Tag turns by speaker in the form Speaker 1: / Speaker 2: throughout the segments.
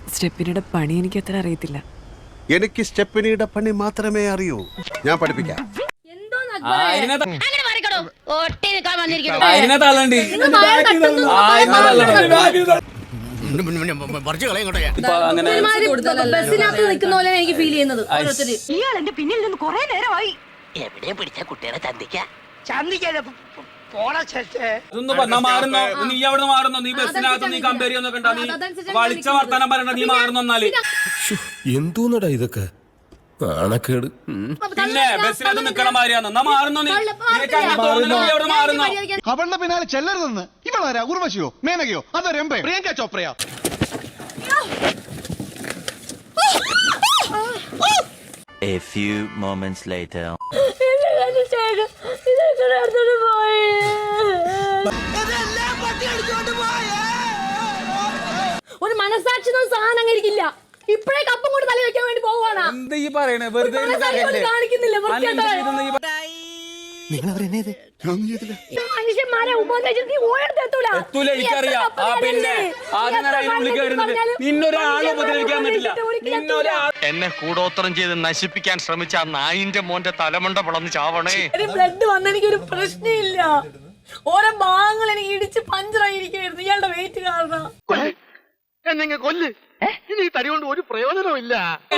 Speaker 1: സ്റ്റെപ്പിനിയുടെ പണി എനിക്ക് അത്ര അറിയത്തില്ല.
Speaker 2: എനിക്ക് സ്റ്റെപ്പിനിയുടെ പണി മാത്രമേ അറിയൂ. ഞാൻ പഠിപ്പിക്കാം.
Speaker 3: എനിക്ക് ഫീൽ ചെയ്യുന്നത്
Speaker 4: ഇയാൾ എന്റെ പിന്നിൽ നിന്ന് കുറെ നേരമായി. എവിടെ പിടിച്ച കുട്ടികളെ ചന്തിക്കാതെ
Speaker 5: എന്തോന്നടാ ഇതൊക്കെ നാണക്കേട്.
Speaker 6: അവളുടെ പിന്നാലെ ചെല്ലരുതെന്ന് ഇവളാരാ? ഉർവശിയോ മേനകയോ അതോ രംഭയോ Priyanka ചോപ്രയോ?
Speaker 7: A few moments later.
Speaker 3: ഒരു മനസാക്ഷി സാധനം അങ്ങനെ ഇരിക്കില്ല. ഇപ്പഴേ കപ്പം കൊണ്ട് തല വെക്കാൻ വേണ്ടി പോവാണ്. മനുഷ്യന്മാരെ
Speaker 8: എന്നെ കൂടോത്രം ചെയ്ത് നശിപ്പിക്കാൻ ശ്രമിച്ച ആ നായിന്റെ മോന്റെ തലമണ്ട പിളന്ന് ചാവണേ.
Speaker 3: ബ്ലഡ് വന്ന എനിക്കൊരു പ്രശ്നമില്ല. ഓരോ ഭാഗങ്ങൾ എനിക്ക് ഇടിച്ച് പഞ്ചറായിരിക്കുന്നു ഇയാളുടെ വെയിറ്റ് കാരണം.
Speaker 8: എന്നെ കൊല്ല്. ഇനി ഈ തടി കൊണ്ട് ഒരു പ്രയോജനവും ഇല്ല.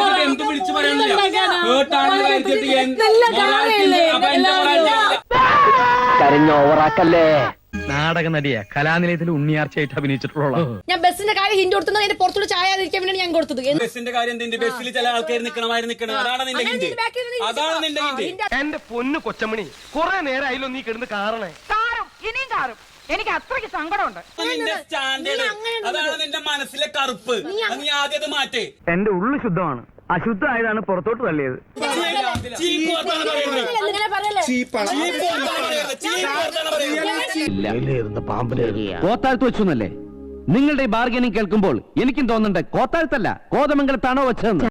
Speaker 4: കരഞ്ഞോവറാക്കല്ലേ.
Speaker 8: നാടക നടിയാ, കലാനിലയത്തിൽ ഉണ്ണിയാർച്ചയായിട്ട് അഭിനയിച്ചിട്ടുള്ള.
Speaker 3: ഞാൻ ബസ്സിന്റെ കാര്യം ഹിന്റ് കൊടുത്തത് എന്റെ പുറത്തോട് ചായാതിരിക്കാൻ വേണ്ടി ഞാൻ കൊടുത്തത്.
Speaker 9: ബസ്സിന്റെ കാര്യം ബസ്സിൽ ചില ആൾക്കാർ നിൽക്കണം. അതാണ് നിന്റെ ഹിന്റ്. അതാണ് നിന്റെ ഹിന്റ്.
Speaker 8: എന്റെ പൊന്നു കൊച്ചമണി, കുറെ നേരമായില്ലോ നീ കിടന്ന് കാറണേ.
Speaker 4: ഇനിയും കാറും. എനിക്ക് അത്രയ്ക്ക് സങ്കടമുണ്ട്.
Speaker 9: നിന്റെ സ്റ്റാൻഡേർഡ് അതാണ് നിന്റെ മനസ്സിലെ കറുപ്പ്. നീ ആദ്യം അത് മാറ്റേ.
Speaker 8: എന്റെ ഉള്ളു ശുദ്ധമാണ്, അശുദ്ധമായതാണ് പുറത്തോട്ട് തള്ളിയത്.
Speaker 10: കോത്താഴ്ത്ത് വെച്ചല്ലേ? നിങ്ങളുടെ ഈ ബാർഗനിങ് കേൾക്കുമ്പോൾ എനിക്കും തോന്നുന്നുണ്ട് കോത്താഴ്ത്തല്ല കോതമംഗലത്താണോ വെച്ചതെന്ന്.